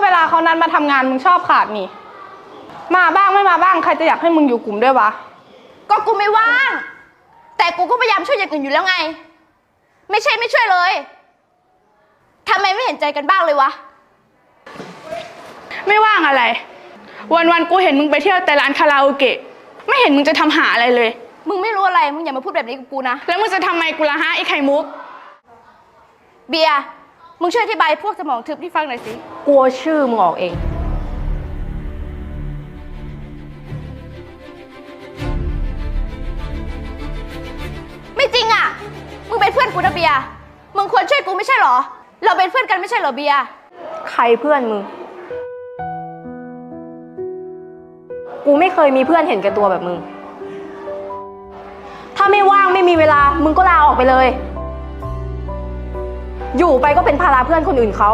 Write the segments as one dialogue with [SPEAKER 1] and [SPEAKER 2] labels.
[SPEAKER 1] ลาเขานัดมาทำงานมึงชอบขาดนี่มาบ้างไม่มาบ้างใครจะอยากให้มึงอยู่กลุ่มด้วยวะ
[SPEAKER 2] ก็กูไม่ว่างแต่กูก็พยายามช่วยอย่างอื่นอยู่แล้วไงไม่ใช่ไม่ช่วยเลยทำไมไม่เห็นใจกันบ้างเลยวะ
[SPEAKER 1] ไม่ว่างอะไรวันๆกูเห็นมึงไปเที่ยวแต่ร้านคาราโอเกะไม่เห็นมึงจะทำหาอะไรเลย
[SPEAKER 2] มึงไม่รู้อะไรมึงอย่ามาพูดแบบนี้กับกูนะ
[SPEAKER 1] แล้วมึงจะทำไมกูละฮะไอ้ไข่มุก
[SPEAKER 2] เบียร์มึงช่วยอธิบายพวกสมองทึบที่ฟังหน่อยสิ
[SPEAKER 3] กลัวชื่อมึงออกเอง
[SPEAKER 2] ไม่จริงอ่ะมึงเป็นเพื่อนกูนะเบียร์มึงควรช่วยกูไม่ใช่หรอเราเป็นเพื่อนกันไม่ใช่หรอเบียร์
[SPEAKER 3] ใครเพื่อนมึงกูไม่เคยมีเพื่อนเห็นแก่ตัวแบบมึงถ้าไม่ว่างไม่มีเวลามึงก็ลาออกไปเลยอยู่ไปก็เป็นภาระเพื่อนคนอื่นเขา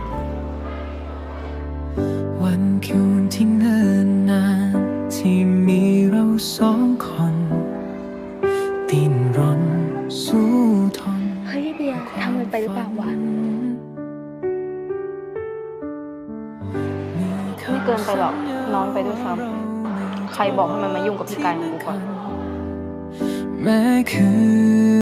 [SPEAKER 4] วันคืนที่เนิ่นนานที่มีเราสองคนดิ้นรนสู้ทน
[SPEAKER 2] เฮ้ยเบียร์ทำมันไปหรือเปล่าวะ
[SPEAKER 3] ไม่เกินไปหรอกน้อยไปด้วยซ้ำใครบอกให้มันมายุ่งกับพี่กายของกูก่อน
[SPEAKER 4] แม้คือ